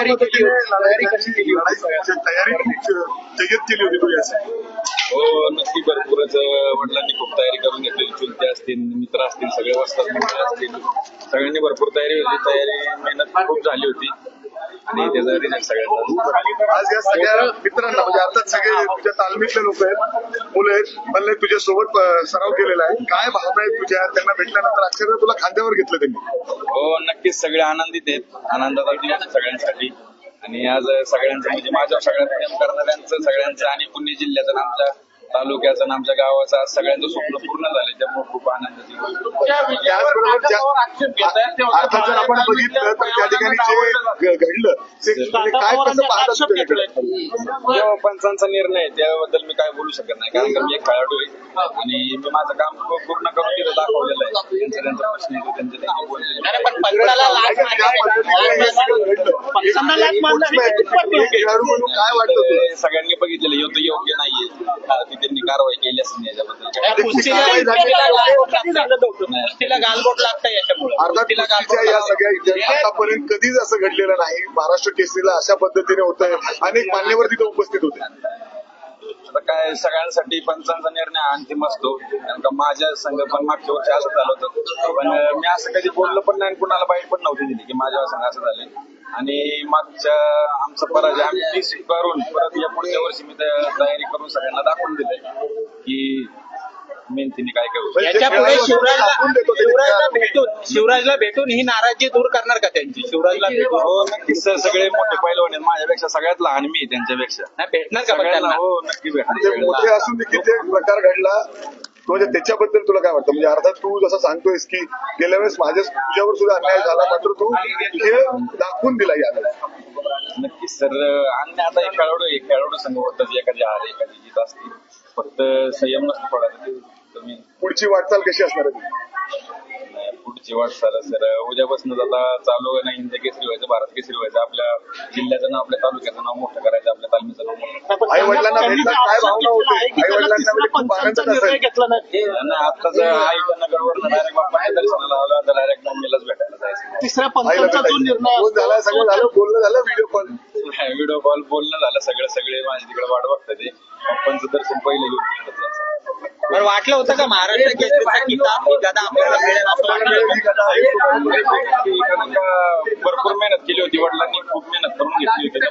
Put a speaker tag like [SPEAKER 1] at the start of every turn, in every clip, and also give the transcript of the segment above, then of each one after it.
[SPEAKER 1] तयारी कशी केली तयारी जय्यत केली होती तू यासाठी?
[SPEAKER 2] हो नक्की भरपूरच वडिलांनी खूप तयारी करून घेतली. चुलते असतील, मित्र असतील, सगळे वस्तात मित्र असतील, सगळ्यांनी भरपूर तयारी होती. तयारी मेहनत खूप झाली होती आणि त्याचा रिझल्ट सगळ्यांना.
[SPEAKER 1] आज या सगळ्या मित्रांना म्हणजे अर्थात सगळे तुझ्या तालमीतले लोक आहेत, मुलं आहेत, मला तुझ्या सोबत सराव केलेला आहे. काय भावना आहेत तुझ्या त्यांना भेटल्यानंतर? अक्षरशः तुला खांद्यावर घेतलं त्यांनी?
[SPEAKER 2] हो नक्कीच सगळे आनंदित आहेत. आनंदाचा दिवस सगळ्यांसाठी. आणि आज सगळ्यांचं म्हणजे माझ्या सगळ्यात प्रेम करणाऱ्यांचं सगळ्यांचं आणि पुणे जिल्ह्याचं आमच्या तालुक्याचं आणि आमच्या गावाचं आज सगळ्यांचं स्वप्न पूर्ण झालं. त्यामुळे खूप आनंदाची
[SPEAKER 1] अर्थात जर आपण बघितलं तर त्या ठिकाणी जे घडलं ते काय कसं पाहतात?
[SPEAKER 2] पंचांचा निर्णय त्याबद्दल मी काय बोलू शकत नाही, कारण की मी एक खेळाडू आहे आणि मी माझं काम पूर्ण करून तिथं दाखवलेलं आहे. त्यांचा प्रश्न येतो त्यांचे
[SPEAKER 1] काय वाटतं?
[SPEAKER 2] सगळ्यांनी बघितलेलं होतं योग्य नाहीये, त्यांनी कारवाई केली असेल याच्याबद्दल.
[SPEAKER 1] या सगळ्या आतापर्यंत कधीच असं घडलेलं नाही. महाराष्ट्र केसरीला अशा पद्धतीने होतंय. अनेक मान्यवर तिथे उपस्थित होते.
[SPEAKER 2] आता काय सगळ्यांसाठी पंचांचा निर्णय अंतिम असतो, कारण का माझ्या संघ पण मागच्या वर्षी असं झालं होतं. पण मी असं कधी बोललो पण नाही, कुणाला बाईट पण नव्हती दिली की माझ्या संघ असं झालंय. आणि मागच्या आमचा पराजय आम्ही ती स्वीकारून परत या पुढच्या वर्षी मी तयारी करून सगळ्यांना दाखवून दिले की मेहनतीने काय करू.
[SPEAKER 3] याच्यापुढे शिवराजला भेटून ही नाराजी दूर करणार का त्यांची? शिवराजला भेटून?
[SPEAKER 2] हो नक्कीच सगळे मोठे पैलवान आहेत माझ्यापेक्षा, सगळ्यात लहान मी त्यांच्यापेक्षा.
[SPEAKER 3] नाही भेटणार का सगळ्यांना?
[SPEAKER 2] हो नक्की भेटणार.
[SPEAKER 1] मोठे असून देखील ते प्रकार घडला म्हणजे त्याच्याबद्दल तुला काय वाटतं? म्हणजे अर्थात तू जसं सांगतोयस की गेल्या वेळेस तुझ्यावर सुद्धा अन्याय झाला, मात्र तू हे दाखवून दिला याला.
[SPEAKER 2] नक्कीच सर. आणि आता एक खेळाडू संघ होतात, एखादी हार एखादी जीत असते, फक्त संयम नसतो थोडा. तुम्ही
[SPEAKER 1] पुढची वाटचाल कशी असणार आहे?
[SPEAKER 2] पुढची वाटचाल सर उद्यापासून आता चालू आहे ना, हिंद केसरी व्हायचं, भारत केसरी व्हायचं, आपल्या जिल्ह्याचं नाव, आपल्या तालुक्याचं नाव मोठं करायचं, आपल्या तालमीचं नाव मोठं.
[SPEAKER 1] आई वडिलांना भेटला काय भावना होते? आई वडिलांना खूप आनंद
[SPEAKER 2] असेल. आताच आईच्या नगरवर डायरेक्ट बाप्पाच्या दर्शनाला आला तर डायरेक्ट मम्मीलाच भेटायला जायचं.
[SPEAKER 3] तिसऱ्या पंचांचा जो निर्णय
[SPEAKER 1] झाला, सगळं झालं, बोलणं झालं,
[SPEAKER 2] व्हिडिओ कॉल बोलणं झालं, सगळे माझ्या तिकडे वाट बघतात. ते पप्पांचं दर्शन पहिलं घेऊन तिकडे जायचं.
[SPEAKER 3] पण वाटलं होतं का महाराष्ट्र केसरीचा किताब ही गदा आपल्याला मिळेल असं वाटलं?
[SPEAKER 2] भरपूर मेहनत केली होती, वडिलांनी खूप मेहनत करून घेतली होती.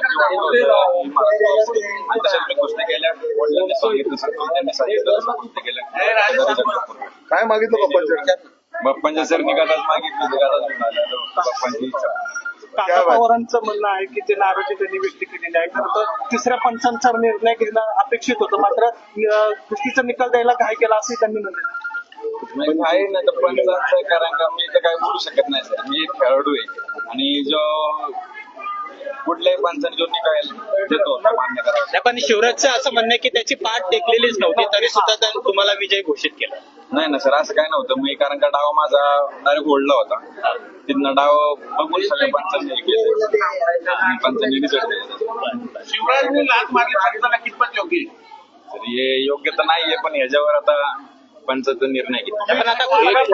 [SPEAKER 2] तशाच मी गोष्टी केल्या, वडिलांनी सांगितलं, त्यांनी सांगितलं, गोष्टी केल्या.
[SPEAKER 1] काय मागितलं
[SPEAKER 2] बाप्पांच्या सर निघालाच मागितली, बाप्पांची इच्छा.
[SPEAKER 4] काका पवारांचं म्हणणं आहे की ते नाराजी त्यांनी व्यक्त केलेली आहे. खरं तर तिसऱ्या पंचांचा निर्णय घेणं अपेक्षित होतं, मात्र कुस्तीचा निकाल द्यायला घाई केला असंही त्यांनी म्हटलं.
[SPEAKER 2] आहे ना तर पंचांचं, कारण का मी तर काय बोलू शकत नाही सर. मी एक खेळाडू आहे आणि जो कुठल्याही पंचाने जो निकाल देतो मान्य करावा.
[SPEAKER 3] पण शिवराजचं असं म्हणणं आहे की त्याची पाठ टेकलेलीच नव्हती, तरी सुद्धा त्यांनी तुम्हाला विजय घोषित केला.
[SPEAKER 2] नाही ना सर, असं काय नव्हतं. मी कारण का डाव माझा डायरेक्ट ओढला होता, तिथनं डाव बघून सगळ्या पंचांनी पंचांनी रिझल्ट दिला.
[SPEAKER 4] शिवराजने लाच मारली कितपत योग्य?
[SPEAKER 2] तर हे योग्य तर नाहीये, पण ह्याच्यावर आता पंचाचा निर्णय घेतला.
[SPEAKER 3] पण आता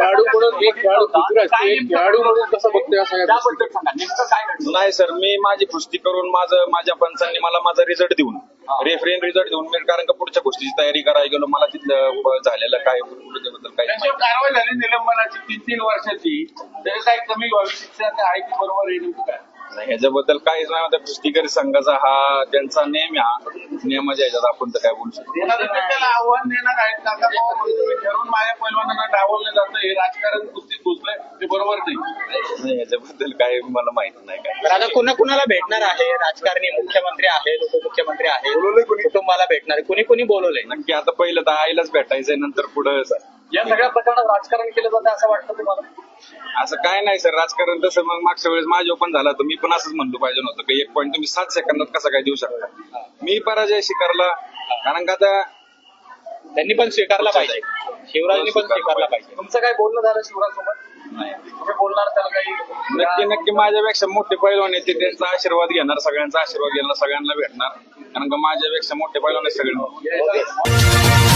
[SPEAKER 2] नाही सर, मी माझी कुस्ती करून माझ्या पंचांनी मला माझा रिझल्ट देऊन, रेफरेन रिझल्ट देऊन मी कारण का पुढच्या गोष्टीची तयारी करायला गेलो. मला तिथलं झालेलं काय त्याबद्दल काही
[SPEAKER 4] कारवाई झाली निलंबनाची 3 वर्षाची, तरी काही कमी व्हावी शिक्षा आहे की बरोबर आहे काय?
[SPEAKER 2] नाही, ह्याच्याबद्दल काहीच नाही. आता कुस्तीकरी संघाचा हा त्यांचा नेम आहे, नियमाच्या ह्याच्यात आपण तर काय बोलू शकतो.
[SPEAKER 4] त्याला आव्हान देणार आहेत काका ठरवून माझ्या पैलवानांना डावललं जातं, हे राजकारण कुस्तीत घुसलंय, ते बरोबर नाही.
[SPEAKER 2] ह्याच्याबद्दल काय मला माहित नाही काय.
[SPEAKER 3] तर आता कुणाला भेटणार आहे? राजकारणी, मुख्यमंत्री आहेत, उपमुख्यमंत्री आहेत, कुटुंबाला भेटणार आहे, कुणी बोलवलंय?
[SPEAKER 2] नक्की आता पहिलं तर आईलाच भेटायचंय, नंतर पुढं
[SPEAKER 4] या सगळ्या प्रकरणात राजकारण केलं जातं असं वाटतं तुम्हाला?
[SPEAKER 2] असं काय नाही सर, राजकारण तसं मग मागच्या वेळेस माझ्या पण झाला तर मी पण असंच म्हणलो पाहिजे नव्हतं की एक पॉईंट तुम्ही 7 सेकंदात कसा काय देऊ शकता. मी पराजय स्वीकारला, कारण का आता
[SPEAKER 3] त्यांनी पण स्वीकारला पाहिजे, शिवराजनी पण स्वीकारला पाहिजे.
[SPEAKER 4] तुमचं काय बोलणं झालं शिवराजसोबत?
[SPEAKER 2] नाही,
[SPEAKER 4] तुम्ही बोलणार त्याला काही?
[SPEAKER 2] नक्की माझ्यापेक्षा मोठे पैलवान येते, त्यांचा आशीर्वाद घेणार, सगळ्यांचा आशीर्वाद घेणार, सगळ्यांना भेटणार, कारण का माझ्यापेक्षा मोठे पैलवान सगळे.